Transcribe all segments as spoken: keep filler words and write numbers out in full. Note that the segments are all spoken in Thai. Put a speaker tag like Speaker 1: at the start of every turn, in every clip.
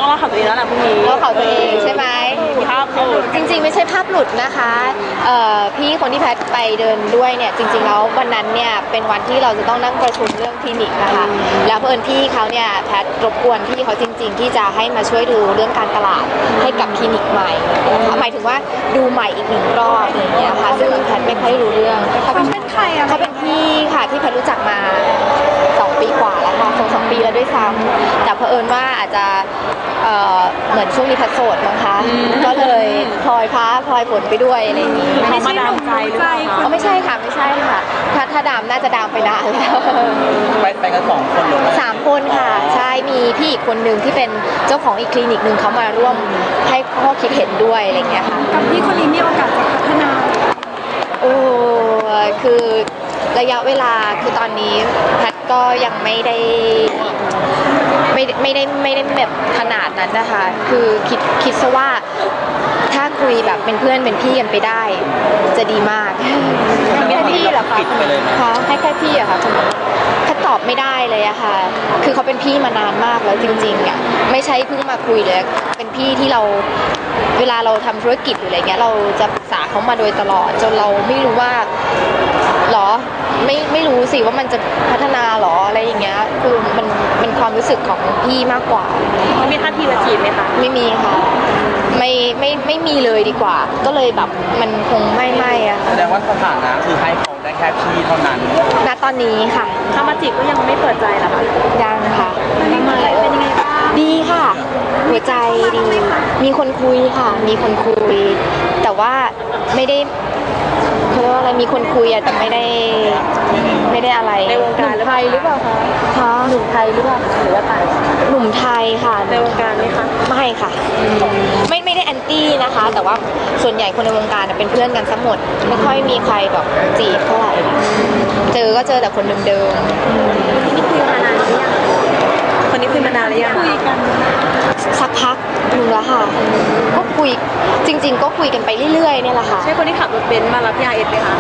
Speaker 1: ต้องเล่าข่าวตัวเองแล้วแหละพรุ่งนี้
Speaker 2: เล่าข่าวตัวเองใช่ไหม
Speaker 1: ภาพหลุด
Speaker 2: จริงๆไม่ใช่ภาพหลุดนะคะพี่คนที่แพทไปเดินด้วยเนี่ยจริงๆแล้ววันนั้นเนี่ยเป็นวันที่เราจะต้องนั่งประชุมเรื่องคลินิกนะคะแล้วเพื่อนพี่เขาเนี่ยแพทรบกวนพี่เขาจริงๆที่จะให้มาช่วยดูเรื่องการตลาดให้กับคลินิกใหม่หมายถึงว่าดูใหม่อีกหนึ่งรอบอย่างเงี้ยค่ะซึ่งแพทไม่ค่อยรู้เรื่องเขาเป็นใครอะเขาเป็นพี่ค่ะที่แพทรู้จักมาสองปีกว่าแล้วค่ะสองสองปีแล้วด้วยซ้ำแต่เผอิญว่าอาจจะเหมือนช่วงนี้แพทโสดมั้งคะก็เลยพลอยพ้าพลอยฝนไปด้วยอะไรอย่างนี้
Speaker 1: เขามาดามใจหรือเปล่า
Speaker 2: คะไม่ใช่ค่ะไม่ใช่ค่ะถ้าถ้าดามน่าจะดามไปนานแล้ว
Speaker 3: ไปไปกันสองคนหรือ
Speaker 2: สามคนค่ะใช่มีพี่อีกคนนึงที่เป็นเจ้าของอีกคลินิกนึงเขามาร่วมให้ข้อคิดเห็นด้วยอะไรอย่างเงี้ยค่ะ
Speaker 1: กับพี่คนนี้มีโอกาสจะพัฒนา
Speaker 2: โอ้คือระยะเวลาคือตอนนี้แพทก็ยังไม่ได้ไม่ไม่ได้ไม่ได้แบบขนาดนั้นนะคะคือคิดคิดซะว่าถ้าคุยแบบเป็นเพื่อนเป็นพี่กันไปได้จะดีมากแค่พี่เหรอคะคะให้แค่พี่อะค่ะถ้าตอบไม่ได้เลยอะค่ะคือเขาเป็นพี่มานานมากแล้วจริงๆอะไม่ใช่เพิ่งมาคุยเลยเป็นพี่ที่เราเวลาเราทำธุรกิจหรืออะไรเงี้ยเราจะปรึกษาเขามาโดยตลอดจนเราไม่รู้ว่าหรอไม่ไม่รู้สิว่ามันจะพัฒนาหรออะไรอย่างเงี้ยคือมันเป็นความรู้สึกของพี่มากกว่า
Speaker 1: เขามีท่าทีมาจีบไหมคะ
Speaker 2: ไม่มีค่ะไม่ไม่ไม่มีเลยดีกว่าก็เลยแบบมันคงไม่ไม่อะ
Speaker 3: แสดงว่าสถานะคือให้เขาได้แค่พี่เท่านั้น
Speaker 2: ณตอนนี้ค่ะ
Speaker 1: ถ้ามาจีบก็ยังไม่เปิดใจหรอคะ
Speaker 2: ยังค่ะ
Speaker 1: เป็นยังไงเป็นยังไงบ้าง
Speaker 2: ดีค่ะหัวใจดีมีคนคุยค่ะมีคนคุยแต่ว่าไม่ได้เขาเรียกว่าอะไรมีคนคุยอะแต่ไม่ได้ไม่ได้อะไร
Speaker 1: ในวงการ
Speaker 2: ไทยหรือเปล่าคะคะหนุ่มไทยหรือเปล่าหรือว่าต่างหนุ่มไทยค่ะ
Speaker 1: ในวงการไหมคะ
Speaker 2: ไม่ค่ะไม่ไม่ได้แอนตี้นะคะแต่ว่าส่วนใหญ่คนในวงการเป็นเพื่อนกันทั้งหมดไม่ค่อยมีใครแบบจีบเท่าไหร่เจอก็เจอแต่คนเดิม
Speaker 1: ๆนี่คุยมานานหรือยังคนนี้คุยมานานหรือยังคุยกัน
Speaker 2: สักพักนึงแล้วค่ะก็คุยจริงๆก็คุยกันไปเรื่อยๆเนี่ยแหละค่ะ
Speaker 1: ใช่คนที่ขับรถเบนซ์มารับยาเอสไหมคะ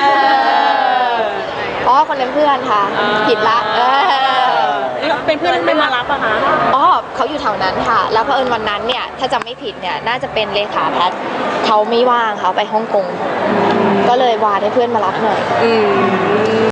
Speaker 2: อ๋อคนนั้นเพื่อนค่ะผิดละ
Speaker 1: เป็นเพื่อนไม่มารับอะคะ
Speaker 2: อ๋อเขาอยู่แถวนั้นค่ะแล้วเผอิญวันนั้นเนี่ยถ้าจำไม่ผิดเนี่ยน่าจะเป็นเลขาแพทเขาไม่ว่างเขาไปฮ่องกงก็เลยวานให้เพื่อนมารับหน่อย
Speaker 1: อืม